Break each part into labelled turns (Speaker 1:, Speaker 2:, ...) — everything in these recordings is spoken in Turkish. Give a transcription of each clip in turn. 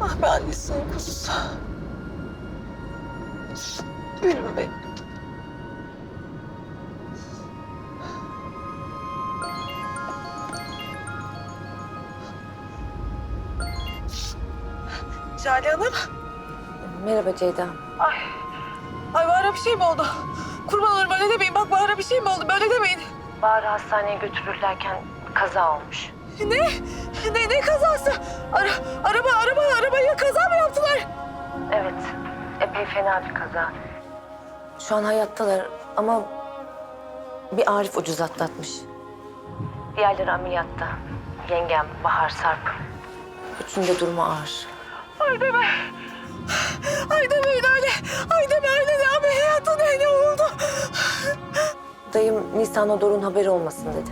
Speaker 1: Ah be annesinin kuzusu. Gülüm benim. Jale Hanım.
Speaker 2: Merhaba Ceyda.
Speaker 1: Ay Bahar'a bir şey mi oldu? Kurban olurum öyle demeyin. Bak Bahar'a bir şey mi oldu? Böyle demeyin.
Speaker 2: Bahar'ı hastaneye götürürlerken kaza olmuş.
Speaker 1: Ne? Ne kazası? Arabaya kaza mı yaptılar?
Speaker 2: Evet, epey fena bir kaza. Şu an hayattalar ama bir Arif ucuz atlatmış. Diğerleri ameliyatta. Yengem, Bahar, Sarp. Üçünün de durumu ağır.
Speaker 1: Ay deme. Ay demeyin öyle. Ay deme öyle de ameliyatı ne oldu?
Speaker 2: Dayım Nisan'a Doruk'un haberi olmasın dedi.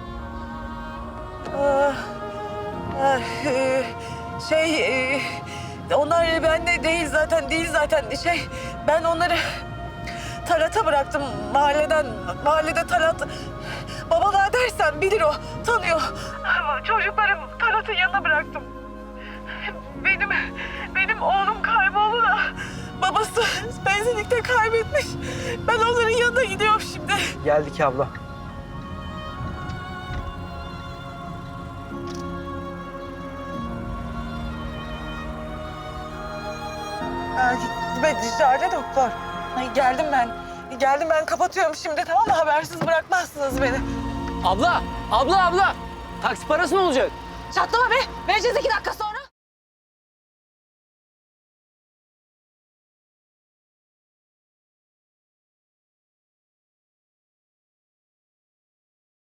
Speaker 1: Onlar bende değil zaten ben onları Talat'a bıraktım mahallede Talat. Babalığa dersen bilir o, tanıyor. Çocuklarım Talat'ın yanına bıraktım. Benim oğlum kayboldu da babası benzinlikte kaybetmiş. Ben onların yanına gidiyorum şimdi.
Speaker 3: Geldik abla.
Speaker 1: Ben Jale doktor. Ay, geldim ben kapatıyorum şimdi, tamam mı? Habersiz bırakmazsınız beni.
Speaker 3: Abla! Taksi parası ne olacak?
Speaker 1: Çatlama be! Vereceğiz 2 dakika sonra.